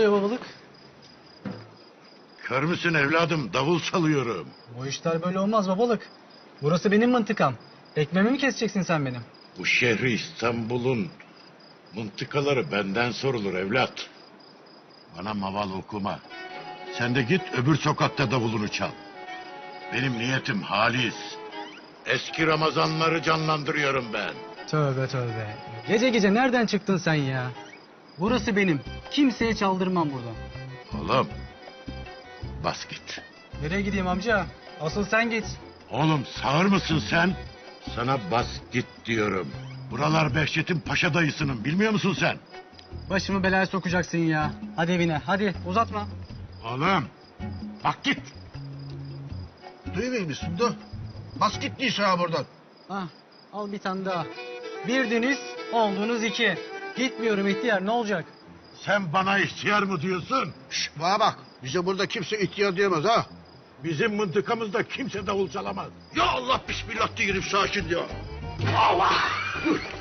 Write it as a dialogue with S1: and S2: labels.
S1: oluyor babalık?
S2: Kör müsün evladım? Davul çalıyorum.
S1: Bu işler böyle olmaz babalık. Burası benim mıntıkam. Ekmeğimi mi keseceksin sen benim?
S2: Bu şehri İstanbul'un mıntıkaları benden sorulur evlat. Bana maval okuma. Sen de git öbür sokakta davulunu çal. Benim niyetim halis. Eski Ramazanları canlandırıyorum ben.
S1: Tövbe tövbe. Gece gece nereden çıktın sen ya? Burası benim. Kimseye çaldırmam burada.
S2: Oğlum bas git.
S1: Nereye gideyim amca? Asıl sen git.
S2: Oğlum sağır mısın sen? Sana bas git diyorum. Buralar Behçet'in paşa dayısının, bilmiyor musun sen?
S1: Başımı belaya sokacaksın ya. Hadi evine hadi uzatma.
S2: Oğlum bak git.
S3: Duymuyor musun da? Bas git Nisa buradan.
S1: Ah, al bir tane daha. Birdiniz oldunuz iki. Gitmiyorum ihtiyar ne olacak?
S2: Sen bana ihtiyar mı diyorsun?
S3: Şş, bana bak. Bize burada kimse ihtiyar diyemez ha.
S2: Bizim mıntıkamızda kimse davul çalamaz.
S3: Ya Allah bismillah diyelim sakin ya. Allah.